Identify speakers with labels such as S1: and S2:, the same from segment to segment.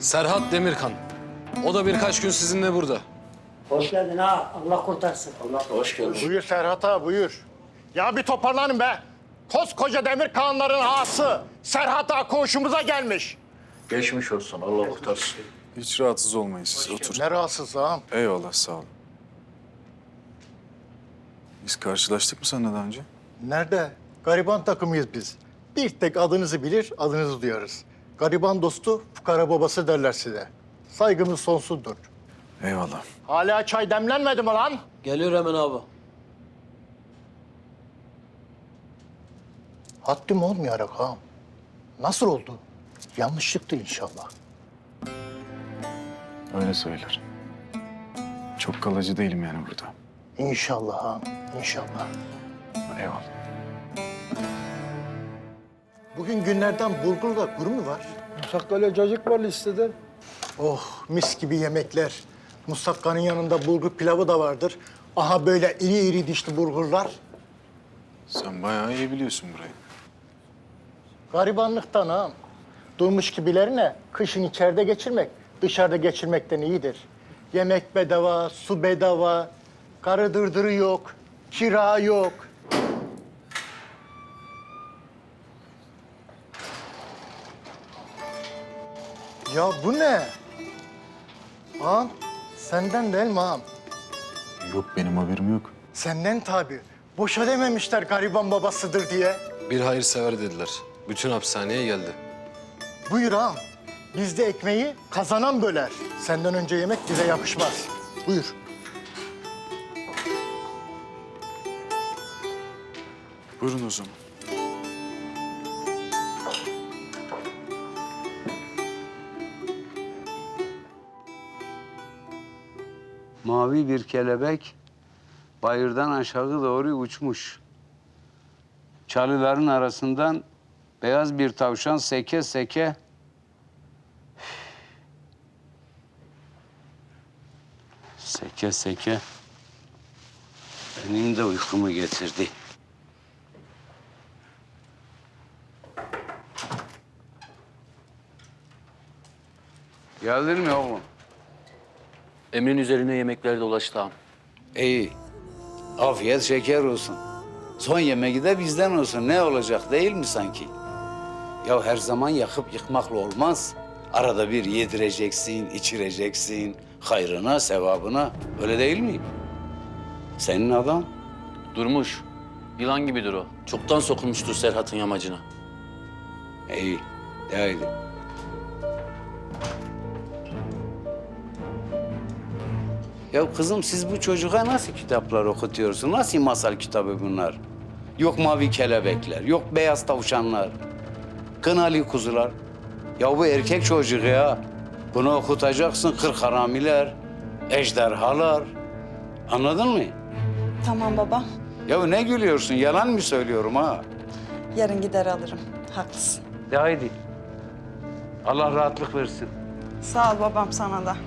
S1: Serhat Demirkan. O da birkaç gün sizinle burada.
S2: Hoş geldin ha. Allah kurtarsın. Allah
S1: Hoş geldin.
S3: Buyur Serhat ağa, buyur. Ya bir toparlanın be. Koskoca demir kağanların ağası Serhat ağa koğuşumuza gelmiş.
S4: Geçmiş olsun, Allah kurtarsın.
S5: Hiç rahatsız olmayın siz, oturun.
S3: Ne rahatsız ağam.
S5: Eyvallah, sağ olun. Biz karşılaştık mı seninle daha önce?
S3: Nerede? Gariban takımıyız biz. Bir tek adınızı bilir, adınızı duyarız. Gariban dostu, fukara babası derler size. Saygımız sonsuzdur.
S5: Eyvallah.
S3: Hala çay demlenmedi mi lan?
S1: Geliyor hemen abi.
S3: Haddim olmayarak ağam. Nasıl oldu? Yanlışlıktı inşallah.
S5: Öyle söyler. Çok kalıcı değilim yani burada.
S3: İnşallah ağam, inşallah.
S5: Eyvallah.
S3: Bugün günlerden bulgurla kuru mu var?
S6: Musakkale cacık var listede.
S3: Oh, mis gibi yemekler. Musakkanın yanında bulgur pilavı da vardır. Aha böyle iri iri dişli bulgurlar.
S5: Sen bayağı iyi biliyorsun burayı.
S3: Garibanlıktan ağam. Durmuş gibilerine kışın içeride geçirmek, dışarıda geçirmekten iyidir. Yemek bedava, su bedava, karı dırdırı yok, kira yok. Ya bu ne? Ağam, senden değil mi ağam?
S5: Yok, benim haberim yok.
S3: Senden tabii. Boşa dememişler gariban babasıdır diye.
S1: Bir hayırsever dediler. Bütün hapishaneye geldi.
S3: Buyur ağam. Bizde ekmeği kazanan böler. Senden önce yemek bize yakışmaz. Buyur.
S5: Buyurun o zaman.
S7: Mavi bir kelebek bayırdan aşağı doğru uçmuş. Çalıların arasından beyaz bir tavşan seke seke seke seke benim de uykumu getirdi. Geldin mi oğlum?
S4: Emrin üzerine yemekler dolaştı ağam.
S7: İyi. Afiyet şeker olsun. Son yemeği de bizden olsun. Ne olacak değil mi sanki? Ya her zaman yakıp yıkmakla olmaz. Arada bir yedireceksin, içireceksin. Hayrına, sevabına. Öyle değil mi? Senin adam.
S4: Durmuş. Yılan gibidir o. Çoktan sokulmuştur Serhat'ın yamacına.
S7: İyi. De haydi. Ya kızım siz bu çocuğa nasıl kitaplar okutuyorsun? Nasıl masal kitabı bunlar? Yok mavi kelebekler, yok beyaz tavşanlar, kınalı kuzular. Ya bu erkek çocuğu ya. Bunu okutacaksın kırk haramiler, ejderhalar. Anladın mı?
S8: Tamam baba.
S7: Ya ne gülüyorsun? Yalan mı söylüyorum ha?
S8: Yarın gider alırım. Haklısın.
S7: De haydi. Allah rahatlık versin.
S8: Sağ ol babam sana da.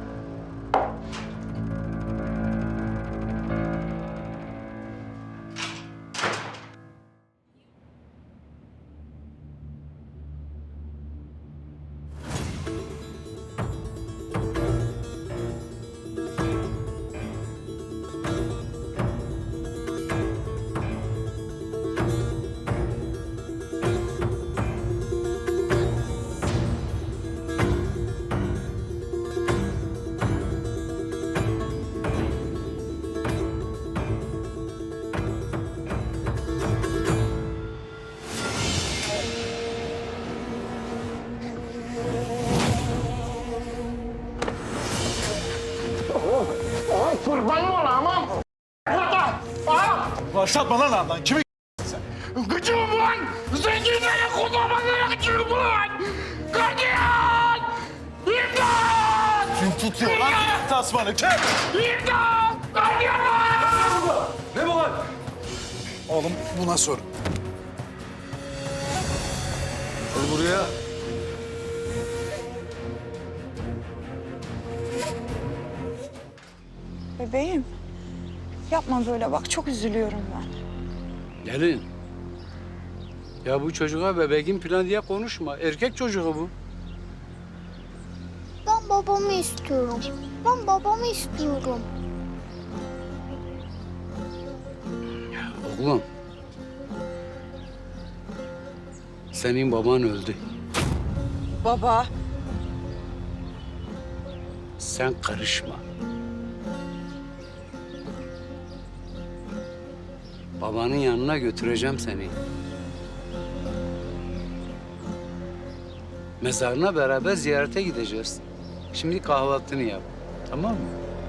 S3: Kurban olayım ağam. Burada. Ağam.
S6: Başlatma lan ağamdan. Kimi
S3: Gıcığım lan. Zenginlere kodamanlara gıcığım lan. Gardiyan. İmdat.
S6: kim tutuyor lan? Tasmanı kim?
S3: İmdat. Gardiyan.
S6: Ne bu lan?
S5: Oğlum buna sor.
S1: Gel buraya.
S8: Bebeğim. Yapma böyle bak çok üzülüyorum ben.
S7: Gelin. Ya bu çocuğa bebeğin planı diye konuşma. Erkek çocuğu bu.
S9: Ben babamı istiyorum. Ben babamı istiyorum.
S7: Oğlum. Senin baban öldü.
S8: Baba.
S7: Sen karışma. Babanın yanına götüreceğim seni. Mezarına beraber ziyarete gideceğiz. Şimdi kahvaltını yap. Tamam mı?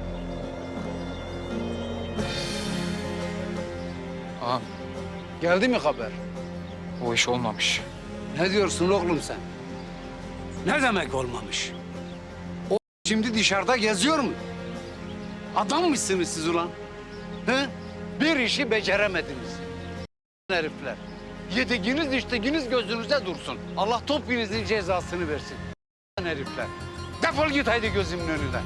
S5: Ağam
S7: Geldi mi haber?
S5: o iş olmamış.
S7: Ne diyorsun oğlum sen? Ne demek olmamış? O şimdi dışarıda geziyor mu? Adam mısınız siz ulan? He? Bir işi beceremediniz. Herifler. Yediğiniz içtiğiniz gözünüze dursun. Allah topinizin cezasını versin. Herifler. Defol git haydi gözümün önünden.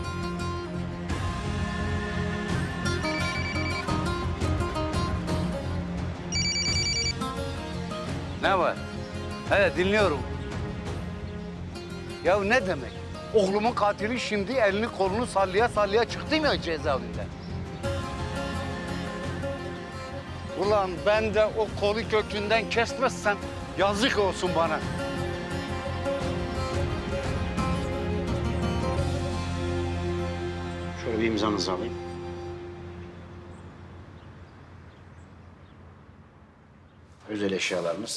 S7: Ne var? He dinliyorum. Ya ne demek? Oğlumun katili şimdi elini kolunu sallaya sallaya çıktı mı cezaevinden? Ulan ben de o kolu kökünden kesmezsem yazık olsun bana.
S10: Şöyle bir imzanızı alayım. Özel eşyalarımız.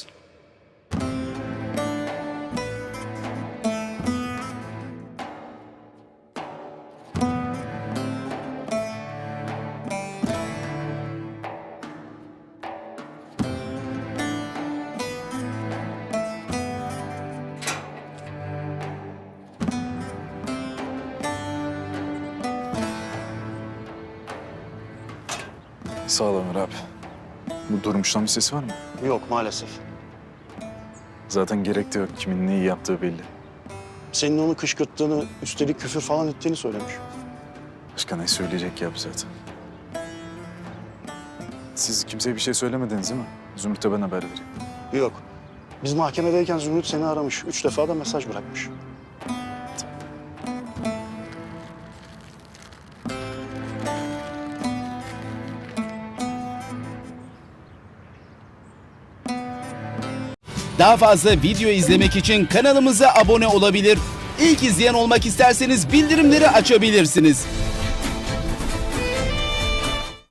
S5: Sağ ol Ömer abi. Bu Durmuş'tan bir sesi var mı?
S10: Yok maalesef.
S5: Zaten gerek de yok. Kimin neyi yaptığı belli.
S10: Senin onu kışkırttığını, üstelik küfür falan ettiğini söylemiş.
S5: Başka ne söyleyecek ya bu zaten. Siz kimseye bir şey söylemediniz değil mi? Zümrüt'e ben haber vereyim.
S10: Yok. Biz mahkemedeyken Zümrüt seni aramış. 3 defa da mesaj bırakmış.
S11: Daha fazla video izlemek için kanalımıza abone olabilir. İlk izleyen olmak isterseniz bildirimleri açabilirsiniz.